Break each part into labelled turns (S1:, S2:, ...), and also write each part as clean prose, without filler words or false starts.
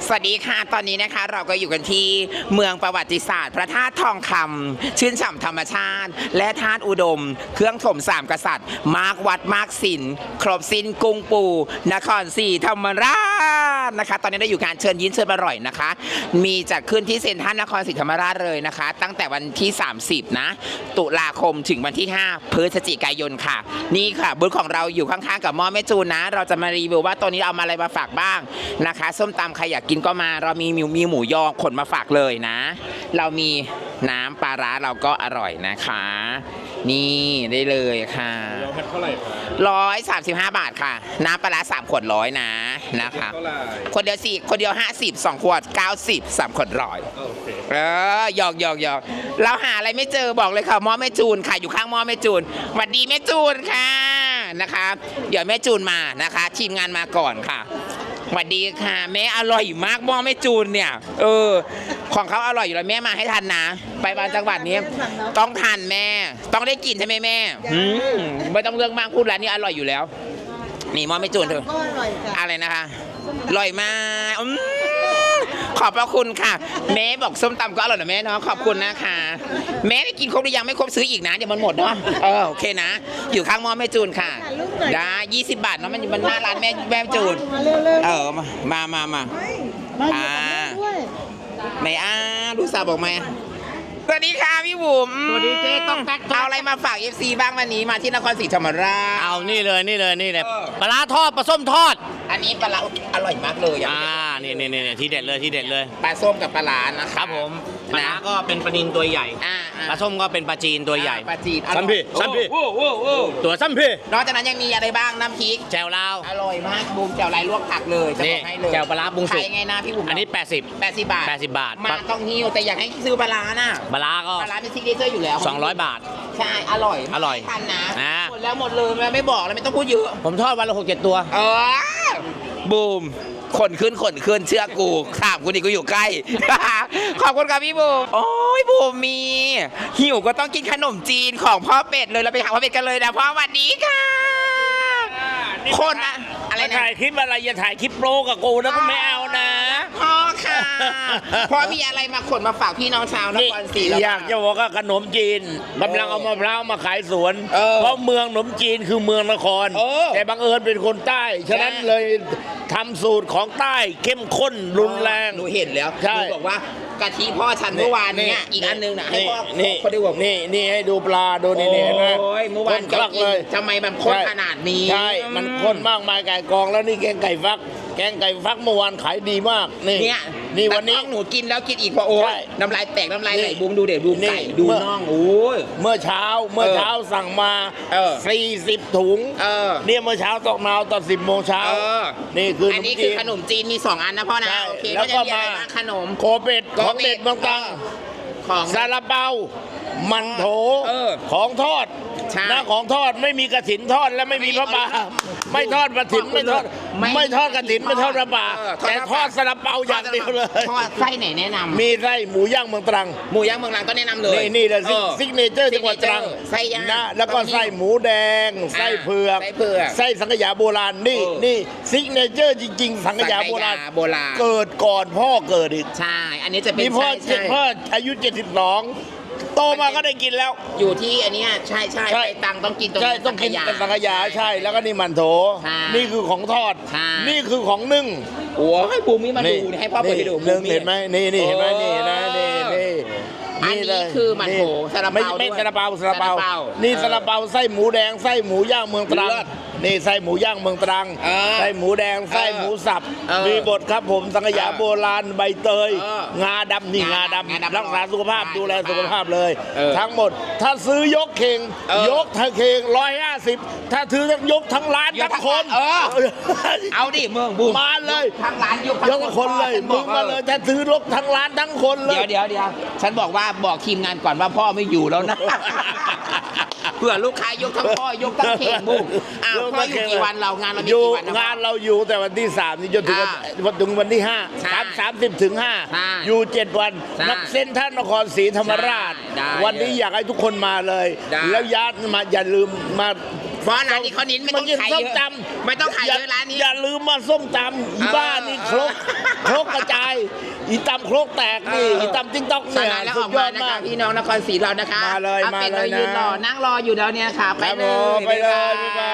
S1: สวัสดีค่ะตอนนี้นะคะเราก็อยู่กันที่เมืองประวัติศาสตร์พระธาตุทองคำชื่นฉ่ำธรรมชาติและธาตุอุดมเครื่องถมสามกษัตริย์มาร์กวัดมาร์กศิลป์ครบสิ้นกรุงปู่นครศรีธรรมราชนะคะตอนนี้ได้อยู่การเชิญยิ้มเชิญอร่อยนะคะมีจัดขึ้นที่เซ็นทรัลนครศรีธรรมราชเลยนะคะตั้งแต่วันที่30นะตุลาคมถึงวันที่5พฤศจิกายนค่ะนี่ค่ะบูธของเราอยู่ข้างๆกับหม้อแม่จูนนะเราจะมารีวิวว่าตัวนี้เอามาอะไรมาฝากบ้างนะคะส้มตำใครอยากกินก็มาเรามีหมูยอขนมาฝากเลยนะเรามีน้ำปลาร้าเราก็อร่อยนะคะนี่ได้เลยค่ะ
S2: เท่าไหร่
S1: 135 บาทค่ะน้ำปลาร้า3 ขวด100นะคะคนเดียว4คนเดียว50 2 ขวด90 3 ขวด100หยอกเราหาอะไรไม่เจอบอกเลยค่ะหม้อแม่จูนค่ะอยู่ข้างหม้อแม่จูนสวัสดีแม่จูนค่ะนะคะเดี๋ยวแม่จูนมานะคะทีมงานมาก่อนค่ะสวัสดีค่ะแม่อร่อยมากหม้อแม่จูนเนี่ยของเขาอร่อยอยู่แล้วแม่มาให้ทันนะไปบางจังหวัดนี้ต้องทันแม่ต้องได้กินใช่ไหมแม่ไม่ต้องเรื่องมากพูดร้านนี้อร่อยอยู่แล้วนี่หม้อแม่จูนเถอะอะไรนะคะอร่อยมากขอบพระคุณค่ะแม่บอกส้มตำก็อร่อยนะแม่เนาะขอบคุณนะคะแม่ได้กินครบหรือยังไม่ครบซื้ออีกนะเดี๋ยวมันหมดเนาะโอเคนะอยู่ข้างหม้อแม่จูนค่ะได้20 บาทเนาะมันหน้าร้านแม่จูนมาไม่ลูกสาวบอกมาสวัสดีค่ะพี่บุ๋ม
S2: สวัสดีเจ๊ต้องแท็ก
S1: เอาอะไรมาฝาก FC บ้างวันนี้มาที่นครศรีธรรมราช
S2: เอานี่เลยปลาร้าทอดปลาส้มทอด
S1: อันนี้ปลาร้าอร่อยมากเลย
S2: นี่ที่เด็ดเลย
S1: ปลาส้มกับปลาร้านะครับ
S2: ผมปลาร้าก็เป็นปลานิลตัวใหญ่ปลาส้มก็เป็นปลาจีนตัวใหญ่
S1: ปลาจีน
S2: ซ้ำพี่ตัวซ้ำพี่
S1: นอกจากนั้นยังมีอะไรบ้างน้ำพริก
S2: แจ่วลาว
S1: อร่อยมากบูมแจ่วลายลวกผักเลยจะบอกให้เลย
S2: แจ่วปลาร้าปรุงสุก
S1: ขายไงนะพี่บุ๋ม
S2: อันนี้80
S1: บาทมาต้องหิ้วแต่อยากให้ซื้อปลาร้าน่ะ
S2: ปลาร้าก็
S1: ปลาร้าเป็นซิกเนเจอร์อยู่แล้ว
S2: 200 บาท
S1: ใช่อร่อยทันนะหมดแล้วหมดเลยไม่บอกแล้วไม่ต้องพูดเยอะ
S2: ผมทอดวันละ6-7 ตัว
S1: บูมขนขึ้นเชื่อกูข้ามกูนี่กูอยู่ใกล้ ขอบคุณครับพี่บูมโอ้ยบูมมีหิวก็ต้องกินขนมจีนของพ่อเป็ดเลยเราไปหาพ่อเป็ดกันเลยนะพ่อสวัสดีค่ะคนอะไรนะ
S2: ถ่ายคลิปอะไรอย่าถ่ายคลิปโปรกับกูนะก็ไม่เอานะ
S1: พ่อค่ะพ่อมีอะไรมาขนมาฝากพี่น้องชาวนครศรี
S2: อยากจะบอกว่าขนมจีนกำลังเอามะพร้าวมาขายสวนเพราะเมืองขนมจีนคือเมืองนครแต่บังเอิญเป็นคนใต้ฉะนั้นเลยทำสูตรของใต้เข้มข้นรุนแรง
S1: หนูเห็นแล้วหนูบอกว่ากะทิพ่อฉันเมื่อวานเนี่ยอีกอันนึงนะให้พ่อเขาได้บอก
S2: นี่ให้ดูปลาดูนี่เห็นไหม
S1: เมื่อวานก็กินทำไมมันข้นขนาดนี้
S2: ใช่มันข้นมากมายไก่กองแล้วนี่แกงไก่ฟักเมื่อวานขายดีมากนี่วันนี้
S1: หนูกินแล้วกินอีกเพราะโอ้ยน้ำลายแตกน้ำลายไหลบูมดูเด็ดบูมไก่ดูน่องโอ้ย
S2: เมื่อเช้าสั่งมา40 ถุงเนี่ยเมื่อเช้าตกนาวตอน10 โมงเช้านี่คือ
S1: อันนี้คือขนมจีนมี2 อันนะพ่อนะโอเค
S2: แล้วก็มา
S1: ขนม
S2: โคเป็ดของเด็ดบางตังของซาลาเปามันโถของทอดนะของทอดไม่มีกระถินทอดและไม่มีพระบาไม่ทอดกระถินไม่ทอดกระถินไม่ทอดพระบาแต่ทอดซาลาเปาอย่างเดียวเลย
S1: ทอดไส้ไหนแนะนำ
S2: มีไส้หมูย่างเมืองตรัง
S1: ก็แนะนำเลย
S2: นี่เลยซิกเนเจอร์จังหวัดตรัง
S1: ไส้ย่าง
S2: นะแล้วก็ไส้หมูแดงไส้เผือกไส้สังขยาโบราณนี่ซิกเนเจอร์จริงๆสังขยาโบราณเกิดก่อนพ่อเกิดอีก
S1: ใช่อันนี้จะเป็น
S2: พ่ออายุ72โตมาก็ได้กินแล้ว
S1: อยู่ที่อันนี้ใช่ไปตังต้องกินตรง
S2: ต้องกินสังขยาใช่แล้วก็นี่มันโถนี่คือของทอดนี่คือของนึ่ง
S1: โอ้ให้ปูมิมาดูให้พ่อไปดู
S2: นึ่งเห็นไหมนี่เห็นไหมนี่นะ
S1: อันนี้คือมันโถซาลาเปา
S2: ไม่ซาลาเปานี่ซาลาเปาไส้หมูแดงไส้หมูย่างเมืองตรังนี่ไส้หมูย่างเมืองตรังไส้หมูแดงไส้หมูสับมีบดครับผมสังขยาโบราณใบเตยงาดำนี่งาดำรักษาสุขภาพดูแลสุขภาพเลยทั้งหมดถ้าซื้อยกเข่ง150ถ้าซื้อยกทั้งร้านทั้งคน
S1: เอาดิเมืองบูม
S2: มาเลย
S1: ทั้งร้านย
S2: กทั้งคนเลยมึงมาเลยถ้าซื้อยกทั้งร้านทั้งคนเลย
S1: เดี๋ยวฉันบอกทีมงานก่อนว่าพ่อไม่อยู่แล้วนะเพื่อลูกค้ายกทั้งพ่อยกทั้งเข่งบุ้งพ่ออยู่กี่วันเรางานเรามีกี่วัน
S2: งานเราอยู่แต่วันที่3นี่จนถึงวันที่5 30 ถึง 5อยู่7 วันนักเส้นท่านนครศรีธรรมราชวันนี้อยากให้ทุกคนมาเลยแล้วญาติมาอย่าลืมมา
S1: เพราะร้านนี้เขานิ้นไม่ต้องขายเยอะไม่ต้องขายเยอะร้านนี้
S2: อย่าลืมมาส้มตำอีบ้านี่ครกกระจายอีตำครกแตกนี่อีตำติ๊กต๊อก
S1: ส
S2: เนี่ย
S1: นานแล้ว
S2: สุ
S1: อ
S2: ด
S1: อก
S2: ย
S1: มา
S2: อด
S1: นะ
S2: มา
S1: คะ
S2: ก
S1: พี่น้องนครศรีเรานะคะ
S2: มาเลย
S1: อเป็ด
S2: มาเลยนะ
S1: ยืนรอนั่งรออยู่แล้วเนี่ยค่ะไป
S2: ครับ
S1: เล
S2: ผม
S1: ย
S2: ไปเลยบ๊ายบาย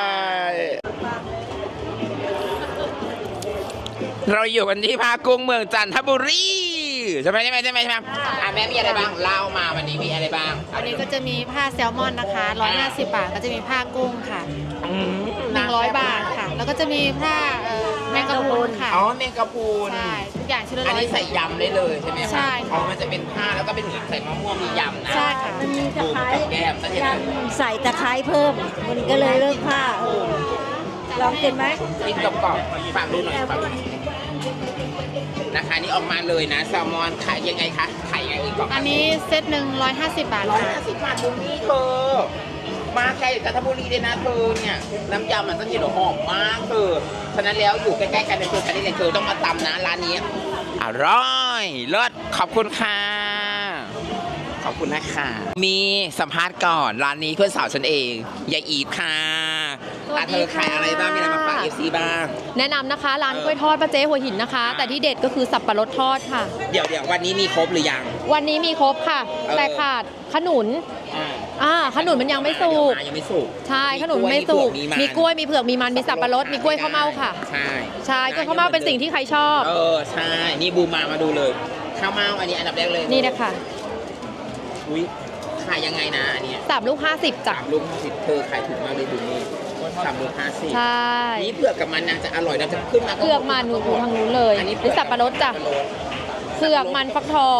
S1: เราอยู่กันที่ภาคกุ้งเมืองจันทบุรีใช่ไหมแม่มีอะไรบ้างเล่ามาวันนี้มีอะไรบ้าง
S3: วันนี้ก็จะมีผ้าแซลมอนนะคะ150 บาทก็จะมีผ้ากุ้งค่ะ100 บาทค่ะ แล้วก็จะมีผ้าแมงกะพรุนค่ะ
S1: อ๋อเมงกะพรุน
S3: ใช่ทุกอย่างชิ้นละ
S1: อัน
S3: ร้อย
S1: นี้ใส่ยำได้เลยใช่ไหมคะ
S3: ใช่ค่ะ
S1: อ๋อมันจะเป็นผ้าแล้วก็เป็นเหมือนใส่มะม่วงมียำนะ
S3: ใช่ค่ะ
S4: มันมีตะไคร้
S1: กับแก้มซะที
S4: ยั
S1: นะ
S4: งใส่ตะไคร้เพิ่ม มันก็เลยเลิกผ้าลองกินไหม
S1: กินกรอบๆฝากดูหน่อยฝากดูหน่อยนะคะนี่ออกมาเลยนะแซลมอนขายยังไงคะขายยังไงอีกกล่อง
S3: อันนี้เซตหนึ่ง150 บาทค่ะ
S1: 150 บาทตรงนี้เธอมาไกลจันทบุรีเลยนะเธอเนี่ยน้ำยำมันต้องกินหอมมากเธอฉะนั้นแล้วอยู่ใกล้ๆกันในตัวกันนี่เลยเธอต้องมาตำนะร้านนี้อร่อยเลิศขอบคุณค่ะขอบคุณนะคะมีสัมภาษณ์ก่อนร้านนี้เพื่อนสาวฉันเองยายอีฟค่ะ
S5: สวัสดี
S1: เธอขายอะไรบ้างมีอะไรมาฝาก
S5: ค่ะ
S1: FC บ้าง
S5: แนะนำนะคะร้านกล้วยทอดป้าเจ๊หัวหินนะคะ แต่ที่เด็ดก็คือสับปะรดทอดค่ะ
S1: เดี๋ยววันนี้มีครบหรือยัง
S5: วันนี้มีครบค่ะ แต่ขาดขนุนขนุนมันยังไม่สุก
S1: ยังไม่สุก
S5: ใช่ขนุนไม่สุก
S1: มีกล้วยมีมัน
S5: มีกล้วยมีเผือกมีมันมีสับปะรดมีกล้วยข้าวเม่าค่ะ
S1: ใช่
S5: ใช่กล้วยข้าวเม่าเป็นสิ่งที่ใครชอบ
S1: ใช่นี่บูมมาดูเลยข้าวเม่าอันนี้อันดับแรกเลย
S5: นี่นะคะ
S1: อุ้ยขายยังไงนะอันเนี้ย
S5: 3 ลูก 50จ้ะ
S1: 3 ลูก 50เธอขายถูกมากเลยดูนี่3 ลูก 50
S5: ใช่
S1: นี่เผือกกับมันนางจะอร่อยนางจะขึ้นมา
S5: เผือกมันหนูทางนู้นเลย
S1: อันนี้
S5: หรือสับปะรดจ้ะเผือกมันฟักทอง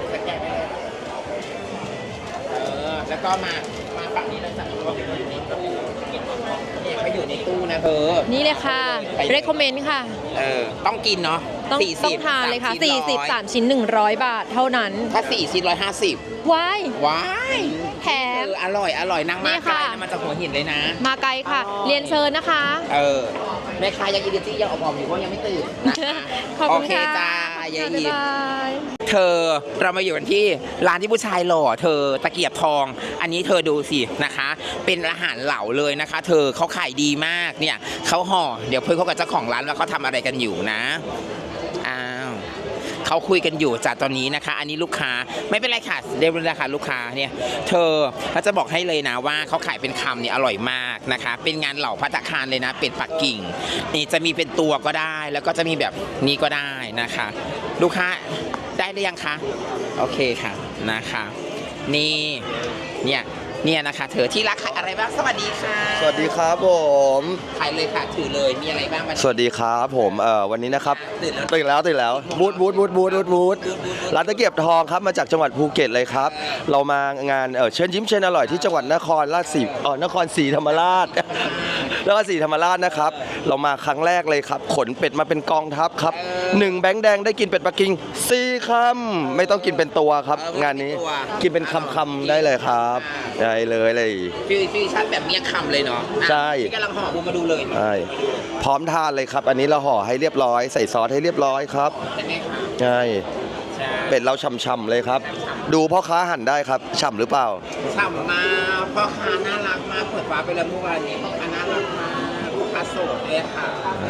S1: แล้วก็มาฝั่งนี้แล้วสั่งเขาอยู่ในตู้เนี่ยเขาอยู่ในตู้นะเธอ
S5: นี่เลยค่ะ recommend ค่ะ
S1: ต้องกินเนาะ
S5: ต้องทานเลยค่ะ 40
S1: 3
S5: 3ชิ้น100 บาทเท่านั้น
S1: ถ้า4ชิ้น150
S5: ว้าย
S1: ว้าย
S5: แถม
S1: อร่อยนั่งมา
S5: นี่
S1: ไกล
S5: ค่ะ
S1: นะมาจากหัวหินเลยนะ
S5: มาไกลค่ะ เรียนเชิญนะคะ
S1: แม่ค้ายังอินเดียยังออกๆอยู่เพราะยังไม่ตื่นนะคะ
S5: ขอบคุณ
S1: โอเค
S5: ค่ะ
S1: จ้ายาย
S5: บ๊าย
S1: อีฟ
S5: บาย
S1: เธอเรามาอยู่กันที่ร้านที่ผู้ชายหล่อเธอตะเกียบทอง อันนี้เธอดูสินะคะ เป็นอาหารเหลาเลยนะคะ เธอเขาขายดีมากเนี่ยเขาห่อเดี๋ยวเพื่อนเขากับเจ้าของร้านว่าเขาทำอะไรกันอยู่นะอ้าวเขาคุยกันอยู่จากตอนนี้นะคะ อันนี้ลูกค้าไม่เป็นไรค่ะเรียบร้อยแล้วค่ะลูกค้าเนี่ยเธอเขาจะบอกให้เลยนะว่าเขาขายเป็นคำเนี่ยอร่อยมากนะคะ เป็นงานเหล่าภัตตาคารเลยนะเป็ดปักกิ่งนี่จะมีเป็นตัวก็ได้ แล้วก็จะมีแบบนี้ก็ได้นะคะ ลูกค้าได้หรือยังคะโอเคค่ะนะคะนี่เนี่ยนะคะเธอที่รักขายอะไรบ้างสวัสดีค่ะ
S6: สวัสดีครับผม
S1: ขายเลยค่ะถือเลยมีอะไรบ้างวันนี้
S6: สวัสดีครับผมวันนี้นะครับ
S1: ตื่นแล้ว
S6: ตื่นแล้วบูธร้านตะเกียบทองครับมาจากจังหวัดภูเก็ตเลยครับ เรามางานเชิญยิ้มเชิญอร่อยที่จังหวัดนครศรีธรรมราช แล้วก็ศรีธรรมราชนะครับ เรามาครั้งแรกเลยครับ ขนเป็ดมาเป็นกองทัพครับ1 แบงค์แดงได้กินเป็ดปักกิ่ง4 คำไม่ต้องกินเป็นตัวครับ งานนี้กินเป็นคำๆได้เลยครับได้เลย
S1: ฟิวชั่นแบบเมี่ยงคำเลยเนาะ
S6: ใช่
S1: ที่กำลังห่อบูมมาดูเลย
S6: ใช่พร้อมทานเลยครับ อันนี้เราห่อให้เรียบร้อยใส่ซอสให้เรียบร้อยครับ
S1: ใช่ไหมคะ
S6: ใช่
S1: ใช่
S6: เป็ดเราฉ่ำๆเลยครับ ดูพ่อค้าหั่นได้ครับฉ่ำหรือเปล่า
S1: ฉ่ำมากพ่อค้าน่ารักมากเปิดฟ้าไปแล้วเมื่อวานนี้พ่อค้าน่ารักมากลูกค้าโสดเลยค่ะ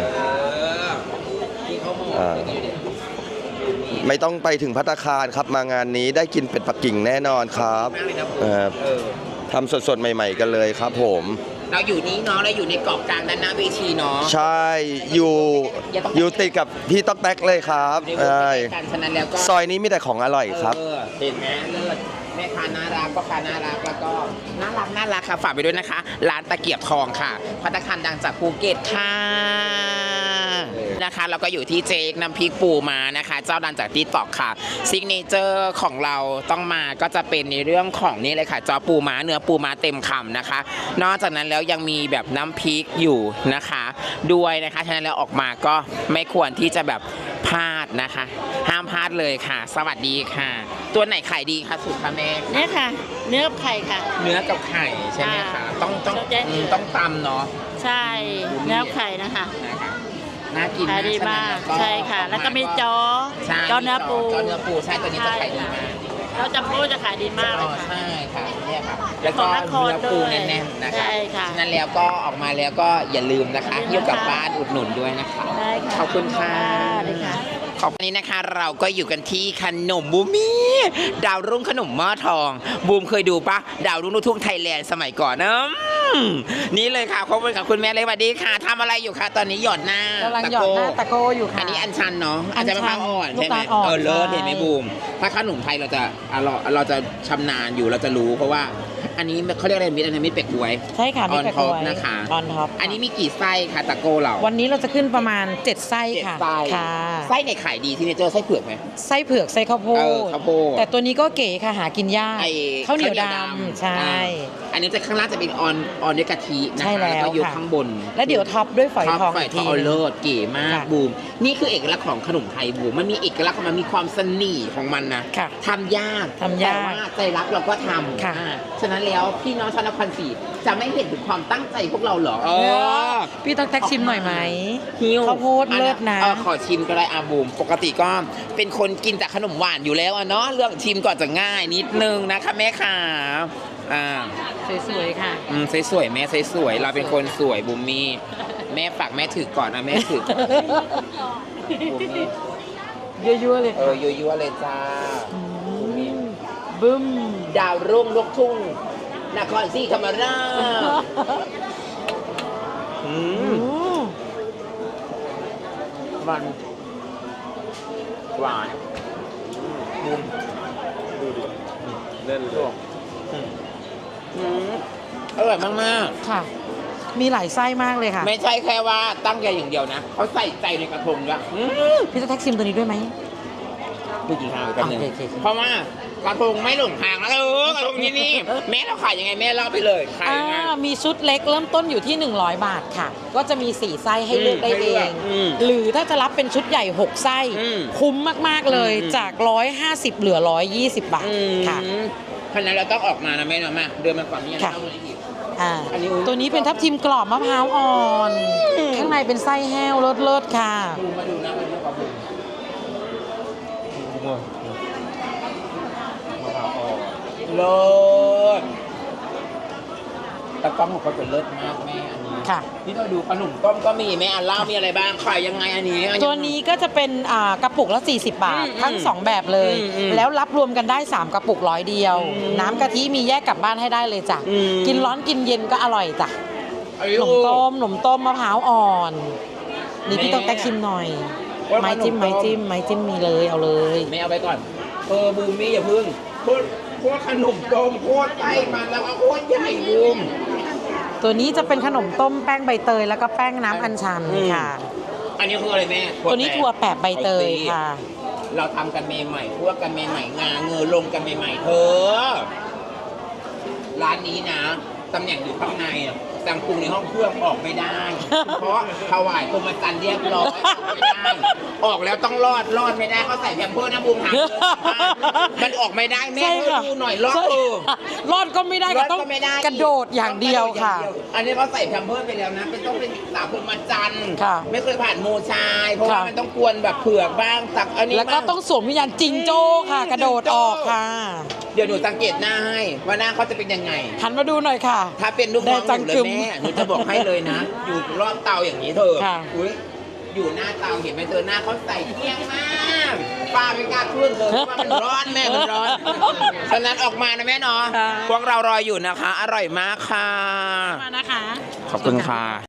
S1: ที่เขาห่ออย่างนี้เนี่ย
S6: ไม่ต้องไปถึงภัตตาคารครับมางานนี้ได้กินเป็ดปักกิ่งแน่นอนครับ
S1: มากเลยนะผม
S6: ทำสดๆใหม่ ๆ กันเลยครับผม
S1: เราอยู่นี้เนาะเราอยู่ในเกาะกลางด้านหน้าเวทีเนาะ
S6: ใช่อยู่ติดกับพี่ต๊อกแต๊กเลยครับ
S1: ในวง
S6: ใช่
S1: การฉะนั้นแล้วก็
S6: ซอยนี้มีแต่ของอร่อยครับ
S1: เห็นไหมเลิศแม่ค้าน่ารักพ่อค้าน่ารักแล้วก็น่ารักค่ะฝากไปด้วยนะคะ ร้านตะเกียบทองค่ะภัตตาคารดังจากภูเก็ตค่ะนะคะแล้วก็อยู่ที่เจ๊กน้ำพริกปูมานะคะ เจ้าดังจากติ๊กต็อกค่ะซิกเนเจอร์ของเราต้องมาก็จะเป็นในเรื่องของนี่เลยค่ะจอปูม้าเนื้อปูม้าเต็มคำนะคะ นอกจากนั้นแล้วยังมีแบบน้ำพริกอยู่นะคะด้วยนะคะฉะนั้นแล้วออกมาก็ไม่ควรที่จะแบบพลาดนะคะ ห้ามพลาดเลยค่ะ สวัสดีค่ะ ตัวไหนขายดีคะสุดคะแม่
S4: เนี่ยค่ะ เนื้อไข่ค่ะ
S1: เนื้อกับไข่ใช่ไหมคะ
S4: ค่ะ
S1: ต้องตำเนาะ
S4: ใช่เนื้อไข่นะคะ
S1: นะคะน่ากิน
S4: ขายดีมาก
S1: ฉะนั้น
S4: ใช่ค่ะ แล้วก็มีจอ
S1: ใช่
S4: จอเนื้อปู
S1: จอเนื้อปูใช่ตัวนี้จะขายดีมาก
S7: เราจัมโบ้จะขายดีมากเลยค่ะ
S1: ใช่ค่ะเนี่ยค่ะแล้วก็
S7: ของนคร
S1: เนื้อปู
S7: ด้วย
S1: แน่นๆนะคะ
S7: ใช่ค่ะ
S1: ฉะนั้นแล้วก็ออกมาแล้วก็อย่าลืมนะคะหิ้วกลับบ้านอุดหนุนด้วยนะคะ
S7: ได้ค่ะ
S1: ขอบคุณค่ะ
S7: ได้ค่ะ
S1: ขอบคุณนี้นะคะเราก็อยู่กันที่ขนมบูมี่ดาวรุ่งขนมหม้อทอง บูมเคยดูปะดาวรุ่งลูกทุ่งไทยแลนด์สมัยก่อนนะนี่เลยค่ะขอบคุณค่ะคุณแม่เลยสวัสดีค่ะทำอะไรอยู่คะตอนนี้หยอดหน้าก
S8: ำลังหยอดหน้าตะโก้อยู่ค่ะ
S1: อันนี้อันชันเนาะ
S8: อัญชัน
S1: จะมะพร้าวอ่อนใช่ไหม
S8: ลูกตาลอ่อน
S1: เลิศ
S8: ใช่
S1: เห็นไหมบูมถ้าขนมไทยเราจะชำนาญอยู่เราจะรู้เพราะว่าอันนี้เขาเรียกอะไรมิตรอันนี้มิตรเป็ดกล้วย
S8: ใช่ค่ะ
S1: อ
S8: มี
S1: อน
S8: แปะ
S1: ท็อป
S8: กล้วย
S1: นะคะ
S8: ออนท็อป
S1: อันนี้มีกี่ไส้คะตะโก้เรา
S8: วันนี้เราจะขึ้นประมาณ 7 ไส้
S1: เจ็ด
S8: ค่ะ
S1: ไส้
S8: ค่ะ
S1: ไส้ในขายดีที่เนเจอร์ไส้เผือกไหม
S8: ไส้เผือกไส้ข้าวโพ
S1: เอ
S8: ด
S1: อข้าวโพด
S8: แต่ตัวนี้ก็เก๋ค่ะหากินยาก
S1: ไอ้
S8: ข้าวเหนียวดำใช่
S1: อันนี้จะข้างล่างจะเป็นออนด้วยกะทินะคะ
S8: ใช่แล้ว
S1: ก็ยก
S8: ค่ะ
S1: ข้างบน
S8: แล้วเดี๋ยวท็อปด้วยฝอย
S1: ท็อป
S8: ทอง
S1: ฝอย
S8: อีก
S1: ท
S8: ที
S1: องเอา
S8: หนึ่ง
S1: เลิศเก๋มาก
S8: ค่ะ
S1: บูมนี่คือเอกลักษณ์ของขนมไทยบูมมันมีเอกลักษณ์ของมันมีความเสน่ห์ของมันนะ
S8: ค่ะ
S1: ทำยาก
S8: ทำยาก
S1: แต่ว่าใจรักเราก็ทำ
S8: ค่ะ
S1: ฉะนั้นแล้วพี่น้องชาวนครศรีจะไม่เห็นถึงความตั้งใจพวกเราเหรอ
S8: พี่ต้องแท็กชิมหน่อยไหม
S1: หิว
S8: ข้าวโพดเลิศนะ
S1: ขอชิมก็ได้อาบูมปกติก็เป็นคนกินแต่ขนมหวานอยู่แล้วอะเนาะเรื่องชิมก่อนจะง่ายนิดนึงนะคะแม่ขา
S8: สวยๆค่ะ
S1: สวยๆแม่สวยๆเราเป็นคนสวยบูมมี่แม่ฝากแม่ถือก่อนนะแม่ถือบูมมี่
S8: ยั่วๆเลยค่ะ
S1: ยั่วๆเลยจ้าบูมมี่
S8: บึ้ม
S1: ดาวรุ่งลูกทุ่งนครศรีธรรมราชมันหวานบูมดูดิเล่นเลยอร่อยมาก
S8: ค่ะ มีหลายไส้มากเลยค่ะ
S1: ๆไม่ใช่แค่ว่าตั้งใจอย่างเดียวนะเขาใส่ใจในกระทงด้วย
S8: พี่ต้องแท็กชิมตัวนี้ด้วยไหม
S1: พูดกี่ทางกันหนึ่ง
S8: โอเค
S1: เพราะว่ากระทงไม่หลงทางนะกระทงที่นี่แม่เราขายยังไงแม่เล่าไปเลยขายยังไง
S8: มีชุดเล็กเริ่มต้นอยู่ที่ 100 บาทค่ะ ก็จะมี 4 ไส้ให้เลือกได้
S1: ให้
S8: เอ
S1: เลือก
S8: ง
S1: อืม
S8: หรือถ้าจะรับเป็นชุดใหญ่ 6 ไส้ คุ้มมาก ๆ เลย จาก 150 เหลือ 120 บาทค่ะ
S1: ขนาดเราต้องออกมานะแม่เนาะมาเดินมาฝั่งนี้
S8: ค่ะ
S1: เข้ามาอีก
S8: อันนี้ตัวนี้เป็นทับทิมกรอบมะพร้าวอ่อน ข้างในเป็นไส้แห้วเลิศๆค่ะ
S1: ดูมาดูนะมาดูกับผมเลิศตะก้องของเขาจะเลิศมากแม่อันนี้
S8: ค่ะ
S1: ที่เราดูขนมต้มก็มีแม่อันเล่ามีอะไรบ้างขายยังไงอันนี้
S8: ตัวนี้ก็จะเป็นกระปุกละ 40 บาท ทั้ง 2 แบบเลย แล้วรับรวมกันได้ 3 กระปุก100เดียว น้ำกะทิมีแยกกลับบ้านให้ได้เลยจ้ะ กินร้อนกินเย็นก็อร่อยจ้ะขนมต้มมะพร้าวอ่อน นี่พี่ต้องแตกชิมหน่อย ไม้จิ้มมีเลยเอาเลย
S1: ไม่เอาไปก่อนบูมมี่อย่าพึ่งโคตรขนมต้มโคตรใหญ่มันแล้วก็โคตรใหญ่บูม
S8: ตัวนี้จะเป็นขนมต้มแป้งใบเตยแล้วก็แป้งน้ำอัญชันค่ะ
S1: อันนี้คืออะไรแม่
S8: ตัวนี้ถั่วแปบใบเตยค่ะ
S1: เราทำกันใหม่ๆพวกกันใหม่ๆงาเงอลงกันใหม่ๆเธอร้านนี้นะตำแหน่งอยู่ข้างในอะสั่งปรุงในห้องเครื่องออกไม่ได้ เพราะถวายกรมจันทร์เรียบร้อยออกไม่ได้ออกแล้วต้องรอดไม่ได้เขาใส่แพมเพิร์สนะบูมถามเลยมันออกไม่ได้แม่
S8: ใช่ค่ะ
S1: ดูหน่อยรอด
S8: ใช่รอดก็ไม่ได้ก็ต้อง
S1: รอดไม่ได้
S8: กระโดดอย่างเดียวค่ะ
S1: อันนี้เขาใส่แพมเพิร์สไปแล้วนะเป็นต้องเป็นสาวพรหมจันทร์
S8: ค่ะ
S1: ไม่เคยผ่านโมชายเพราะว่า
S8: ค่ะ
S1: มันต้องกวนแบบเผือกบ้างตักอันนี้
S8: แล้วก็
S1: บ้าง
S8: ต้องสวมวิญญาณจิงโจ้ค่ะ กระโดดออกค่ะ
S1: เดี๋ยวหนูสังเกตหน้าให้ว่าหน้าเขาจะเป็นยังไง
S8: หันมาดูหน่อยค่ะ
S1: ถ้าเป็นลูกน้อง
S8: ได้จัง
S1: หนูเลย
S8: กึม
S1: แม่หนูจะบอกให้เลยนะ อยู่รอบเตาอย่างนี้เธอ
S8: ค่ะ
S1: อุ๊ยอยู่หน้าเตาเห็นไหมเธอหน้าเขาใส่เที่ยงมากป้าไม่กล้าขึ้นเลยเพราะว่ามันร้อนแม่มันร้อนฉะนั้นออกมานะแม่เนาะ
S8: ค่ะ
S1: พวกเรารออยู่นะคะ อร่อยมากค่ะ
S8: มานะคะ
S1: ขอบคุณค่ะ